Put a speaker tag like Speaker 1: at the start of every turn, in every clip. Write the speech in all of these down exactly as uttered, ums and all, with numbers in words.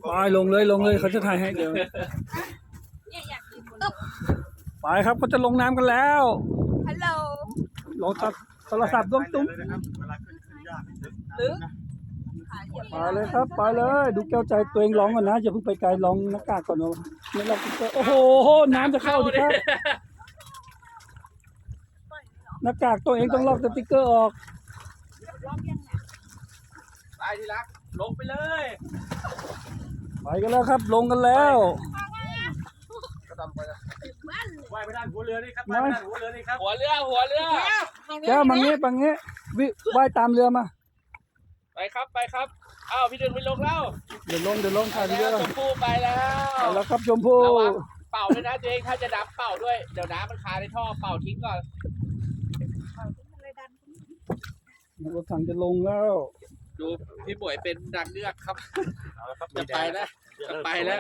Speaker 1: ไปลงเลยลงเลยเขาจะถ่ายให้เดี๋ยวไปครับเขาจะลงน้ำกันแล้วฮัลโหลลงจากโทรศัพท์ดวงตุ้มไปเลยครับไปเลยดูแก้วใจตัวเองร้องก่อนนะอย่าเพิ่งไปไกลร้องหน้ากากก่อนเนาะไม่ร้องติ๊กเกอร์โอ้โหน้ำจะเข้าดิครับหน้ากากตัวเองต้องลอกสติ๊กเกอร์ออก
Speaker 2: ไปทีรักลงไปเลย
Speaker 1: ไปกันแล้วครับลงกันแล้ว
Speaker 2: ว่ายไปด้านหัวเรือนี่ครับว่ายไปด้านหัวเรือนี่ครับหัวเรือหัวเรือ
Speaker 1: แก้วมังงี้มังงี้วิว่ายตามเรือมา
Speaker 2: ไปครับไปครับอ้าวพี่ดึงไปลงแล้ว
Speaker 1: เดี๋ยวลงเดี๋ยวลงถ่ายเรือ
Speaker 2: ชมพู่ไปแล้ว
Speaker 1: ไปแล้วครับชมพู่
Speaker 2: ระวังเป่าด้วยนะตัวเองถ้าจะดับเป่าด้วยเดี๋ยวน้ำมันคาในท่อเป่าทิ้งก่อน
Speaker 1: รถถังจะลงแล้ว
Speaker 2: ดูพี่ป่วยเป็นดังเลือกครับจะไปแล้วจะไปแล้ว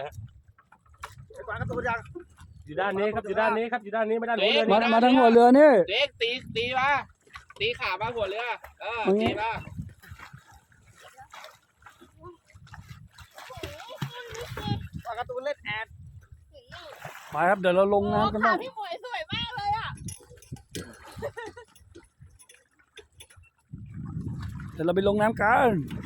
Speaker 3: อยู่ด้านนี้ครับอยู่ด้านนี้ครับอยู่ด้านนี้ไม่ด้านหัวเรือ
Speaker 1: มามาทางหัวเรือนี่
Speaker 2: เด็กตีตีมาตีขามาหัวเรือเออตีมาปากกระตูนเล่นแอด
Speaker 1: ไปครับเดี๋ยวเราลงน้ำกันบ้าง
Speaker 4: พี่หมวยสวยมากเลยอ่ะ
Speaker 1: เดี๋ยวเราไปลงน้ำกัน